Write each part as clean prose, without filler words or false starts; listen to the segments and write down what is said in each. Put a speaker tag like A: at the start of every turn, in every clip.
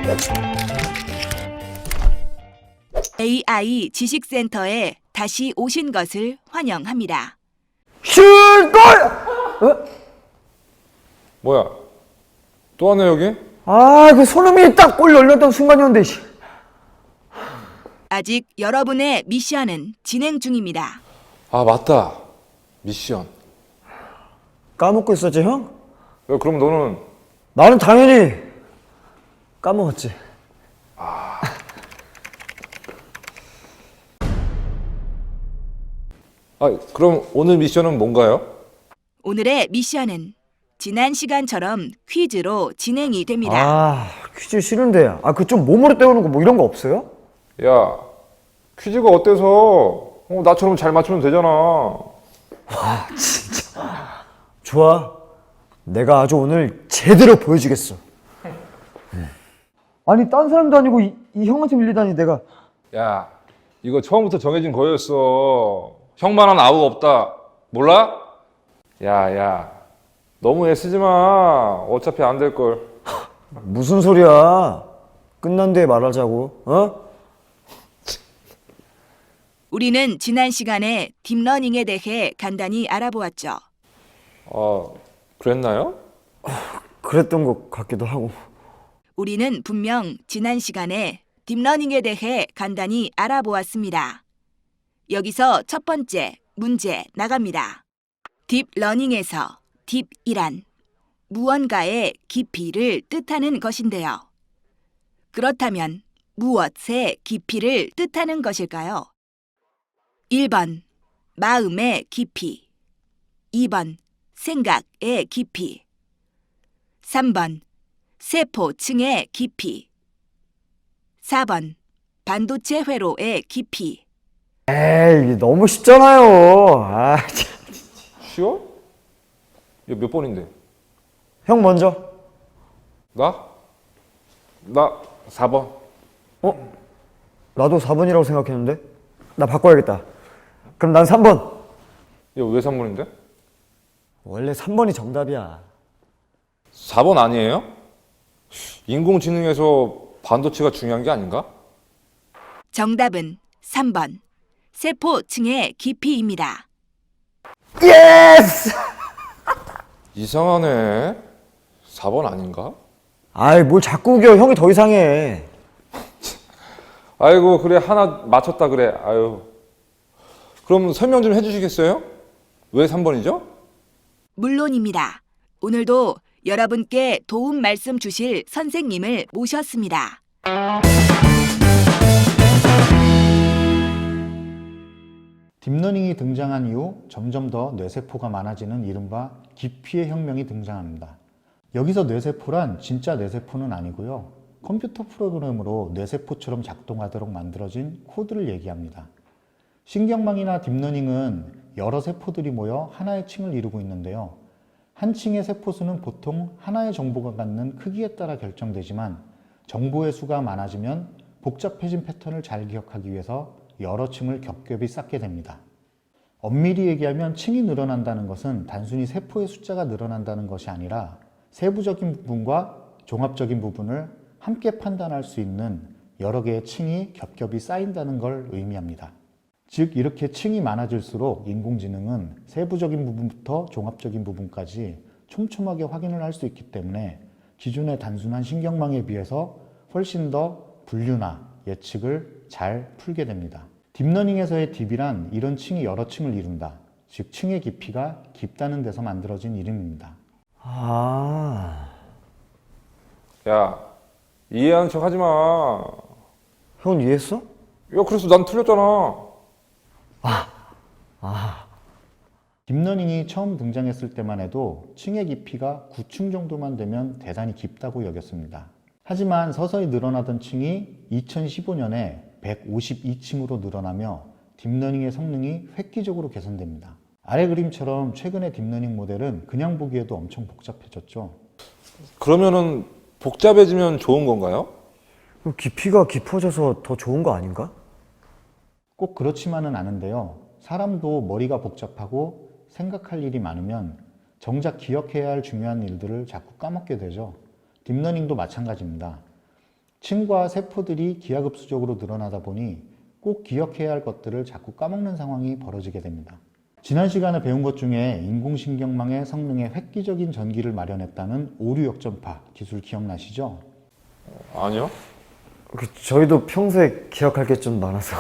A: AI 지식센터에 다시 오신 것을 환영합니다.
B: 슛골!
C: 뭐야? 또 왔네 여기?
B: 아, 그 손흥민이 딱 골 열렸던 순간이었는데. 씨.
A: 아직 여러분의 미션은 진행 중입니다.
C: 아 맞다. 미션.
B: 까먹고 있었지, 형?
C: 야, 그럼 너는
B: 나는 당연히 까먹었지.
C: 그럼 오늘 미션은 뭔가요?
A: 오늘의 미션은 지난 시간처럼 퀴즈로 진행이 됩니다.
B: 아, 퀴즈 싫은데. 그 좀 몸으로 때우는 거 뭐 이런 거 없어요?
C: 야, 퀴즈가 어때서? 나처럼 잘 맞추면 되잖아.
B: 좋아. 내가 아주 오늘 제대로 보여주겠어. 아니, 딴 사람도 아니고 이 형한테 밀리다니 내가.
C: 야, 이거 처음부터 정해진 거였어. 형만한 아우가 없다. 몰라? 야, 너무 애쓰지 마. 어차피 안 될 걸.
B: 무슨 소리야. 끝난 뒤에 말하자고. 어?
A: 우리는 지난 시간에 딥러닝에 대해 간단히 알아보았죠.
C: 그랬나요?
B: 그랬던 것 같기도 하고.
A: 우리는 분명 지난 시간에 딥러닝에 대해 간단히 알아보았습니다. 여기서 첫 번째 문제 나갑니다. 딥러닝에서 딥이란 무언가의 깊이를 뜻하는 것인데요. 그렇다면 무엇의 깊이를 뜻하는 것일까요? 1번 마음의 깊이, 2번 생각의 깊이, 3번 세포층의 깊이, 4번 반도체 회로의 깊이.
B: 에이, 너무 쉽잖아요. 아, 참.
C: 쉬워? 이거 몇 번인데?
B: 형 먼저.
C: 나 4번.
B: 나도 4번이라고 생각했는데. 나 바꿔야겠다. 그럼 난 3번.
C: 이거 왜 3번인데?
B: 원래 3번이 정답이야.
C: 4번 아니에요? 인공지능에서 반도체가 중요한 게 아닌가?
A: 정답은 3번 세포층의 깊이입니다.
B: 예스!
C: 이상하네. 4번 아닌가?
B: 아이, 뭘 자꾸 우겨. 형이 더 이상해.
C: 아이고 그래 하나 맞췄다 그래. 아유. 그럼 설명 좀 해주시겠어요? 왜 3번이죠?
A: 물론입니다. 오늘도 여러분께 도움 말씀 주실 선생님을 모셨습니다.
D: 딥러닝이 등장한 이후 점점 더 뇌세포가 많아지는 이른바 깊이의 혁명이 등장합니다. 여기서 뇌세포란 진짜 뇌세포는 아니고요. 컴퓨터 프로그램으로 뇌세포처럼 작동하도록 만들어진 코드를 얘기합니다. 신경망이나 딥러닝은 여러 세포들이 모여 하나의 층을 이루고 있는데요. 한 층의 세포수는 보통 하나의 정보가 갖는 크기에 따라 결정되지만 정보의 수가 많아지면 복잡해진 패턴을 잘 기억하기 위해서 여러 층을 겹겹이 쌓게 됩니다. 엄밀히 얘기하면 층이 늘어난다는 것은 단순히 세포의 숫자가 늘어난다는 것이 아니라 세부적인 부분과 종합적인 부분을 함께 판단할 수 있는 여러 개의 층이 겹겹이 쌓인다는 걸 의미합니다. 즉 이렇게 층이 많아질수록 인공지능은 세부적인 부분부터 종합적인 부분까지 촘촘하게 확인을 할 수 있기 때문에 기존의 단순한 신경망에 비해서 훨씬 더 분류나 예측을 잘 풀게 됩니다. 딥러닝에서의 딥이란 이런 층이 여러 층을 이룬다. 즉 층의 깊이가 깊다는 데서 만들어진 이름입니다.
C: 야, 이해하는 척 하지 마.
B: 형은 이해했어?
C: 야, 그래서 난 틀렸잖아.
D: 딥러닝이 처음 등장했을 때만 해도 층의 깊이가 9층 정도만 되면 대단히 깊다고 여겼습니다. 하지만 서서히 늘어나던 층이 2015년에 152층으로 늘어나며 딥러닝의 성능이 획기적으로 개선됩니다. 아래 그림처럼 최근의 딥러닝 모델은 그냥 보기에도 엄청 복잡해졌죠.
C: 그러면은 복잡해지면 좋은 건가요?
B: 그럼 깊이가 깊어져서 더 좋은 거 아닌가?
D: 꼭 그렇지만은 않은데요. 사람도 머리가 복잡하고 생각할 일이 많으면 정작 기억해야 할 중요한 일들을 자꾸 까먹게 되죠. 딥러닝도 마찬가지입니다. 층과 세포들이 기하급수적으로 늘어나다 보니 꼭 기억해야 할 것들을 자꾸 까먹는 상황이 벌어지게 됩니다. 지난 시간에 배운 것 중에 인공신경망의 성능에 획기적인 전기를 마련했다는 오류 역전파 기술 기억나시죠?
C: 아니요?
B: 저희도 평소에 기억할 게 좀 많아서.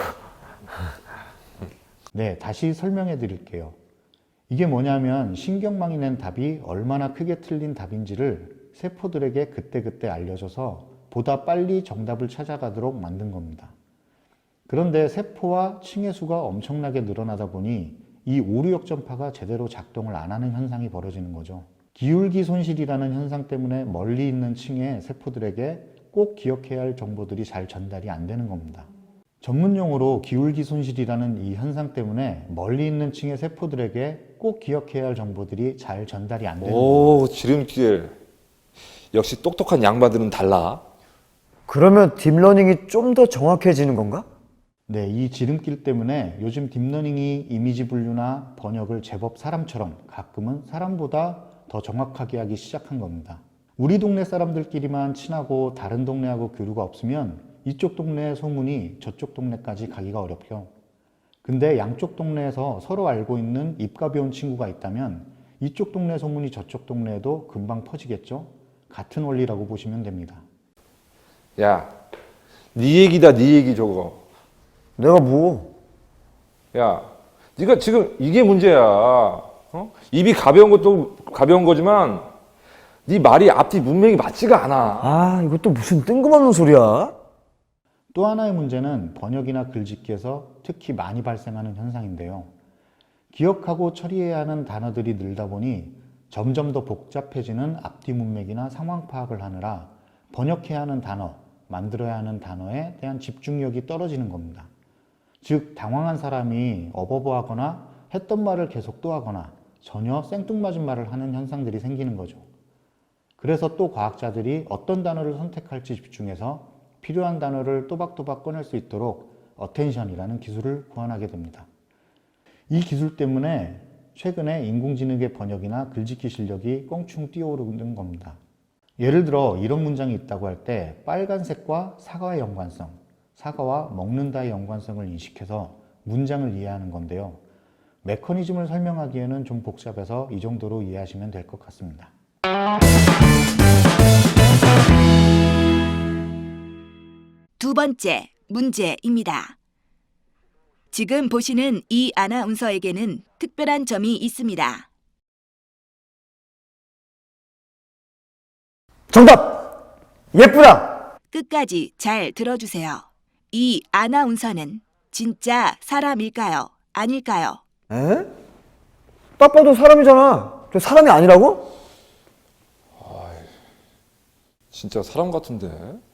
D: 네, 다시 설명해 드릴게요. 이게 뭐냐면 신경망이 낸 답이 얼마나 크게 틀린 답인지를 세포들에게 그때그때 알려줘서 보다 빨리 정답을 찾아가도록 만든 겁니다. 그런데 세포와 층의 수가 엄청나게 늘어나다 보니 이 오류 역전파가 제대로 작동을 안 하는 현상이 벌어지는 거죠. 기울기 손실이라는 현상 때문에 멀리 있는 층의 세포들에게 꼭 기억해야 할 정보들이 잘 전달이 안 되는 겁니다. 전문용어로 기울기 손실이라는 이 현상 때문에 멀리 있는 층의 세포들에게 꼭 기억해야 할 정보들이 잘 전달이 안 되는 겁니다.
C: 오, 지름길. 역시 똑똑한 양반들은 달라.
B: 그러면 딥러닝이 좀 더 정확해지는 건가?
D: 네, 이 지름길 때문에 요즘 딥러닝이 이미지 분류나 번역을 제법 사람처럼 가끔은 사람보다 더 정확하게 하기 시작한 겁니다. 우리 동네 사람들끼리만 친하고 다른 동네하고 교류가 없으면 이쪽 동네의 소문이 저쪽 동네까지 가기가 어렵죠. 근데 양쪽 동네에서 서로 알고 있는 입 가벼운 친구가 있다면 이쪽 동네 소문이 저쪽 동네에도 금방 퍼지겠죠? 같은 원리라고 보시면 됩니다.
C: 야, 네 얘기다, 네 얘기 저거.
B: 내가 뭐?
C: 야, 네가 지금 이게 문제야. 어? 입이 가벼운 것도 가벼운 거지만 네 말이 앞뒤 문맥이 맞지가 않아.
B: 아, 이것도 무슨 뜬금없는 소리야?
D: 또 하나의 문제는 번역이나 글짓기에서 특히 많이 발생하는 현상인데요. 기억하고 처리해야 하는 단어들이 늘다 보니 점점 더 복잡해지는 앞뒤 문맥이나 상황 파악을 하느라 번역해야 하는 단어, 만들어야 하는 단어에 대한 집중력이 떨어지는 겁니다. 즉, 당황한 사람이 어버버하거나 했던 말을 계속 또 하거나 전혀 생뚱맞은 말을 하는 현상들이 생기는 거죠. 그래서 또 과학자들이 어떤 단어를 선택할지 집중해서 필요한 단어를 또박또박 꺼낼 수 있도록 어텐션이라는 기술을 구현하게 됩니다. 이 기술 때문에 최근에 인공지능의 번역이나 글짓기 실력이 껑충 뛰어오르는 겁니다. 예를 들어 이런 문장이 있다고 할 때 빨간색과 사과의 연관성, 사과와 먹는다의 연관성을 인식해서 문장을 이해하는 건데요. 메커니즘을 설명하기에는 좀 복잡해서 이 정도로 이해하시면 될 것 같습니다.
A: 두 번째 문제입니다. 지금 보시는 이 아나운서에게는 특별한 점이 있습니다.
B: 정답! 예쁘다!
A: 끝까지 잘 들어주세요. 이 아나운서는 진짜 사람일까요? 아닐까요?
B: 에? 딱 봐도 사람이잖아. 저 사람이 아니라고?
C: 진짜 사람 같은데.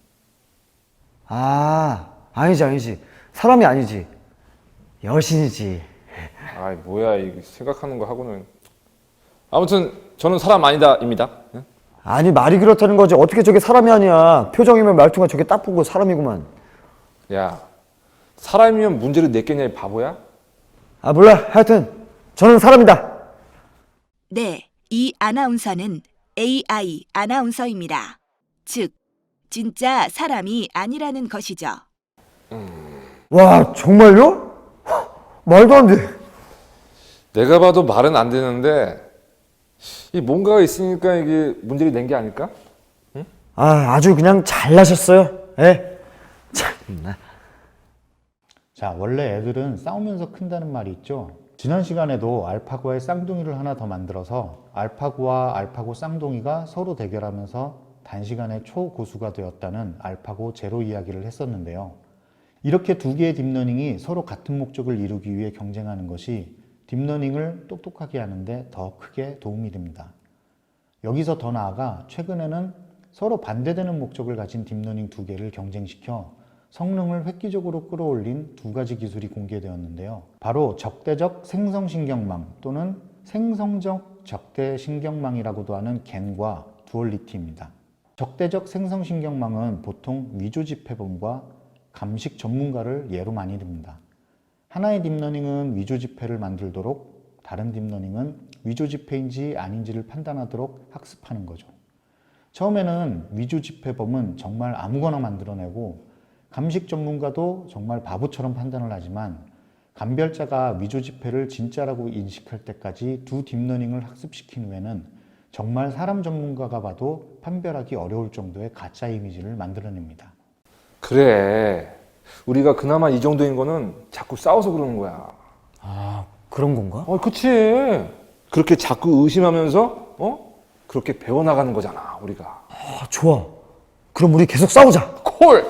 B: 아, 아니지. 사람이 아니지. 여신이지.
C: 아이 뭐야 이 생각하는 거 하고는. 아무튼 저는 사람 아니다입니다. 응?
B: 아니, 말이 그렇다는 거지. 어떻게 저게 사람이 아니야. 표정이면 말투가 저게 딱 보고 사람이구만.
C: 야, 사람이면 문제를 냈겠냐 이 바보야?
B: 아, 몰라. 하여튼 저는 사람이다.
A: 네, 이 아나운서는 AI 아나운서입니다. 즉, 진짜 사람이 아니라는 것이죠.
B: 와, 정말요? 말도 안 돼.
C: 내가 봐도 말은 안 되는데 이 뭔가가 있으니까 이게 문제를 낸 게 아닐까?
B: 아, 아주 그냥 잘나셨어요. 예. 참나.
D: 자, 원래 애들은 싸우면서 큰다는 말이 있죠. 지난 시간에도 알파고의 쌍둥이를 하나 더 만들어서 알파고와 알파고 쌍둥이가 서로 대결하면서 단시간에 초고수가 되었다는 알파고 제로 이야기를 했었는데요. 이렇게 두 개의 딥러닝이 서로 같은 목적을 이루기 위해 경쟁하는 것이 딥러닝을 똑똑하게 하는데 더 크게 도움이 됩니다. 여기서 더 나아가 최근에는 서로 반대되는 목적을 가진 딥러닝 두 개를 경쟁시켜 성능을 획기적으로 끌어올린 두 가지 기술이 공개되었는데요. 바로 적대적 생성신경망 또는 생성적 적대신경망이라고도 하는 겐과 두얼리티입니다. 적대적 생성신경망은 보통 위조지폐범과 감식 전문가를 예로 많이 듭니다. 하나의 딥러닝은 위조지폐를 만들도록, 다른 딥러닝은 위조지폐인지 아닌지를 판단하도록 학습하는 거죠. 처음에는 위조 지폐범은 정말 아무거나 만들어내고 감식 전문가도 정말 바보처럼 판단을 하지만 감별자가 위조 지폐를 진짜라고 인식할 때까지 두 딥러닝을 학습시킨 후에는 정말 사람 전문가가 봐도 판별하기 어려울 정도의 가짜 이미지를 만들어냅니다.
C: 그래. 우리가 그나마 이 정도인 거는 자꾸 싸워서 그러는 거야.
B: 아, 그런 건가?
C: 그치. 그렇게 자꾸 의심하면서, 그렇게 배워나가는 거잖아, 우리가.
B: 아, 좋아. 그럼 우리 계속 싸우자.
C: 콜!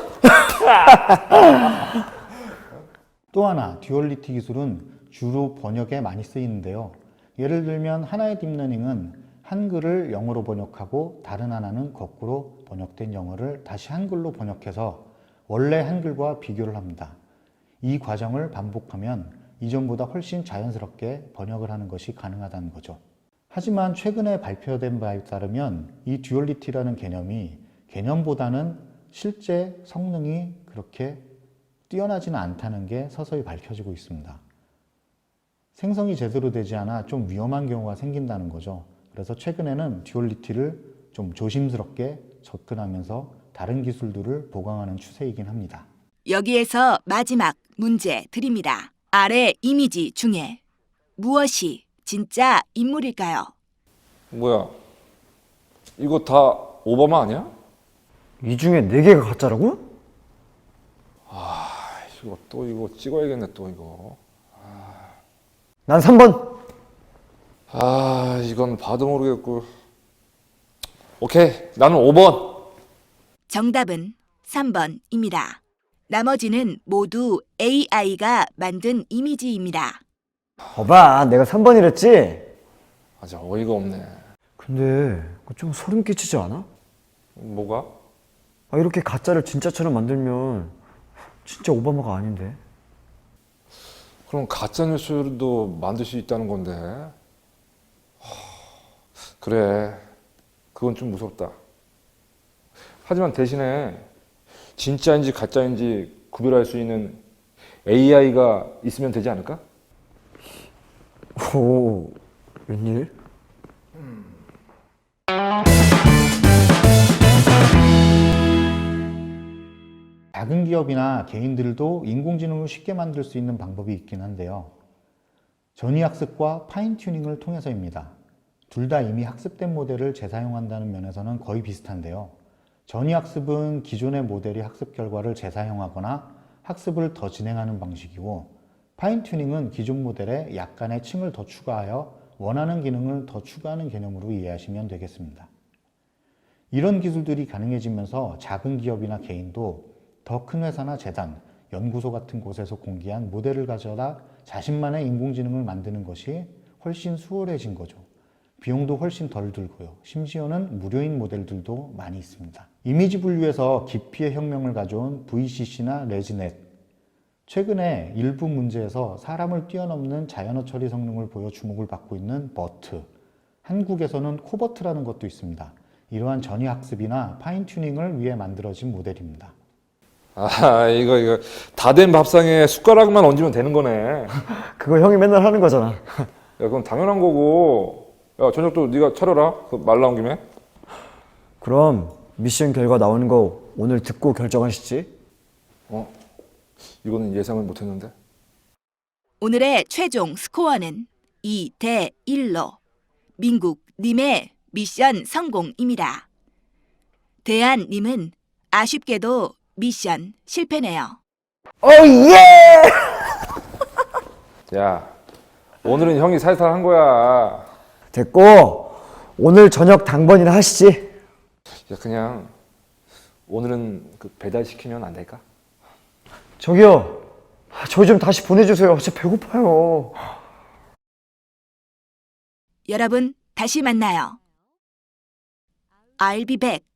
D: 또 하나, 듀얼리티 기술은 주로 번역에 많이 쓰이는데요. 예를 들면 하나의 딥러닝은 한글을 영어로 번역하고 다른 하나는 거꾸로 번역된 영어를 다시 한글로 번역해서 원래 한글과 비교를 합니다. 이 과정을 반복하면 이전보다 훨씬 자연스럽게 번역을 하는 것이 가능하다는 거죠. 하지만 최근에 발표된 바에 따르면 이 듀얼리티라는 개념이 개념보다는 실제 성능이 그렇게 뛰어나지는 않다는 게 서서히 밝혀지고 있습니다. 생성이 제대로 되지 않아 좀 위험한 경우가 생긴다는 거죠. 그래서 최근에는 듀얼리티를 좀 조심스럽게 접근하면서 다른 기술들을 보강하는 추세이긴 합니다.
A: 여기에서 마지막 문제 드립니다. 아래 이미지 중에 무엇이 진짜 인물일까요?
C: 뭐야? 이거 다 오바마 아니야?
B: 이 중에 4개가 가짜라고?
C: 이거 찍어야겠네, 또 이거.
B: 난 3번.
C: 이건 봐도 모르겠고. 오케이, 나는 5번.
A: 정답은 3번입니다. 나머지는 모두 AI가 만든 이미지입니다.
B: 봐봐, 내가 3번이랬지?
C: 진짜 어이가 없네.
B: 근데 그거 좀 소름 끼치지 않아?
C: 뭐가?
B: 이렇게 가짜를 진짜처럼 만들면 진짜 오바마가 아닌데.
C: 그럼 가짜 뉴스도 만들 수 있다는 건데. 그래, 그건 좀 무섭다. 하지만 대신에 진짜인지 가짜인지 구별할 수 있는 AI가 있으면 되지 않을까?
B: 오, 웬일?
D: 작은 기업이나 개인들도 인공지능을 쉽게 만들 수 있는 방법이 있긴 한데요. 전위학습과 파인튜닝을 통해서입니다. 둘 다 이미 학습된 모델을 재사용한다는 면에서는 거의 비슷한데요. 전위학습은 기존의 모델이 학습 결과를 재사용하거나 학습을 더 진행하는 방식이고, 파인튜닝은 기존 모델에 약간의 층을 더 추가하여 원하는 기능을 더 추가하는 개념으로 이해하시면 되겠습니다. 이런 기술들이 가능해지면서 작은 기업이나 개인도 더 큰 회사나 재단, 연구소 같은 곳에서 공개한 모델을 가져다 자신만의 인공지능을 만드는 것이 훨씬 수월해진 거죠. 비용도 훨씬 덜 들고요. 심지어는 무료인 모델들도 많이 있습니다. 이미지 분류에서 깊이의 혁명을 가져온 VCC나 레지넷, 최근에 일부 문제에서 사람을 뛰어넘는 자연어 처리 성능을 보여 주목을 받고 있는 버트, 한국에서는 코버트라는 것도 있습니다. 이러한 전위학습이나 파인튜닝을 위해 만들어진 모델입니다.
C: 이거 다 된 밥상에 숟가락만 얹으면 되는 거네.
B: 그거 형이 맨날 하는 거잖아.
C: 야, 그건 당연한 거고. 야, 저녁도 네가 차려라. 그 말 나온 김에.
B: 그럼 미션 결과 나오는 거 오늘 듣고 결정하시지?
C: 이거는 예상을 못했는데.
A: 오늘의 최종 스코어는 2대 1로 민국님의 미션 성공입니다. 대한님은 아쉽게도 미션 실패네요.
B: 예!
C: 야, 오늘은 형이 살살 한 거야.
B: 됐고, 오늘 저녁 당번이나 하시지.
C: 야, 그냥 오늘은 그 배달시키면 안 될까?
B: 저기요, 저희 좀 다시 보내주세요. 진짜 배고파요.
A: 여러분, 다시 만나요. I'll be back.